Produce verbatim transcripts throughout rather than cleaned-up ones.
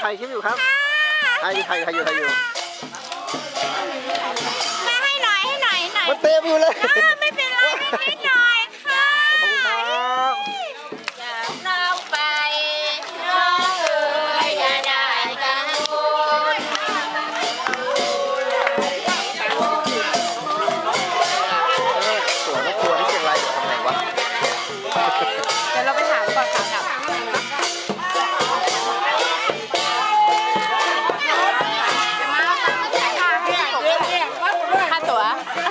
ถ่ายคลิปอยู่ครับถ่ายถ่ายถ่ายอยู่ถ่ายอยู่มาให้หน่อยให้หน่อยหน่อยมันเต็มอยู่เลยไม่เป็นไรนิดหน่อยค่ะขอบคุณครับจากเราไปน้องเอ๋ยอย่าได้กังวลสวนก็ครัวที่เชียงรายอยู่ตรงไหนวะเดี๋ยวเราไปถามก่อนค่ะกับค่าตั๋ว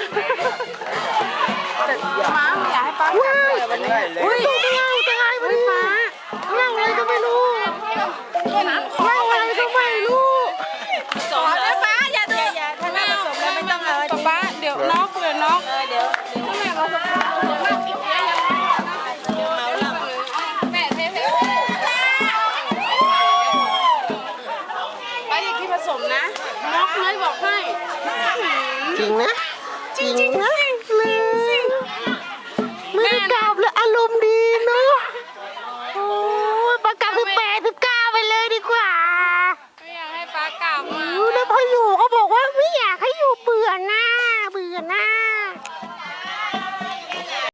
ม้าอยากให้ป้าจับเลยวันนี้อุ้ยตัวเงาตัวไงวันนี้ม้าเงาอะไรก็ไม่รู้เงาอะไรก็ไม่รู้สมแล้วป้าอย่าดูถ้าแม่สมแล้วไม่ต้องเลยป้าเดี๋ยวนอกเลยนอกเดี๋ยวถ้าแม่เราสมมากผิดแล้วยังเมาแล้วแม่เทเทไปอีกที่ผสมนะนอกเลยบอกให้จริงนะจริงนะ